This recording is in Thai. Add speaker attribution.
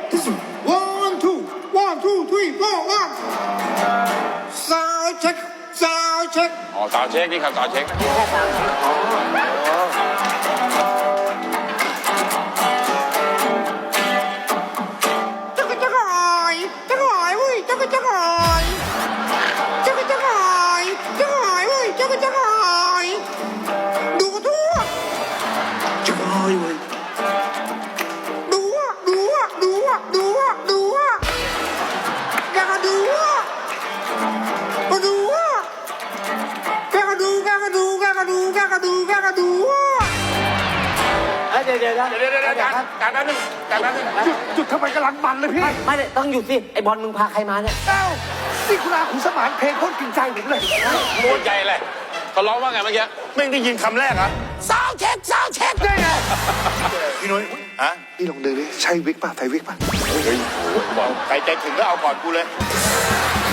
Speaker 1: 1 2 3 4 1 Sound check Sound check
Speaker 2: อ๋อสาวเช็คนี่ครับสาวเช็ค
Speaker 1: จักรจักรหอยจักรหอยเว้ยจักรจักรหอยจักรจักรหอยจักรหอยเว้ยจักรจักรหอยดูทั่วจักรหอยเว้ยดูอ่ะดูอ่ะดูอ่ะดูอ่ะดูอ่ะแกก็ดูอ่ะก็ดูอ่ะแกก็ดูแกก็ดูแกก็ดูแกก็ดูแกก็ดูอ่ะ
Speaker 3: เดี๋ยว
Speaker 2: การแป๊บนึงการแป๊บนึง
Speaker 4: จุดทำไมกำลังมันเลยพี่
Speaker 3: ไม่ได้ต้องหยุดสิไอ้บอลมึงพาใครมาเนี่ย
Speaker 4: เอ้านี่คุณอาขุนสมานเพลงโคตรกินใจผมเลย
Speaker 2: โคตรใจเลยเขาร้องว่าไงเมื่อกี้ไม่ได้ยินคำแรกเหรอ
Speaker 3: ซาวเช็คซาวเช็คได้ไง
Speaker 2: พี่นุ้ยฮะ
Speaker 4: พี่ลองดูดิใช่วิกป่ะใส่วิกป่ะ
Speaker 2: เฮ้ยบอกใครใจถึงก็เอาก่อนกูเลย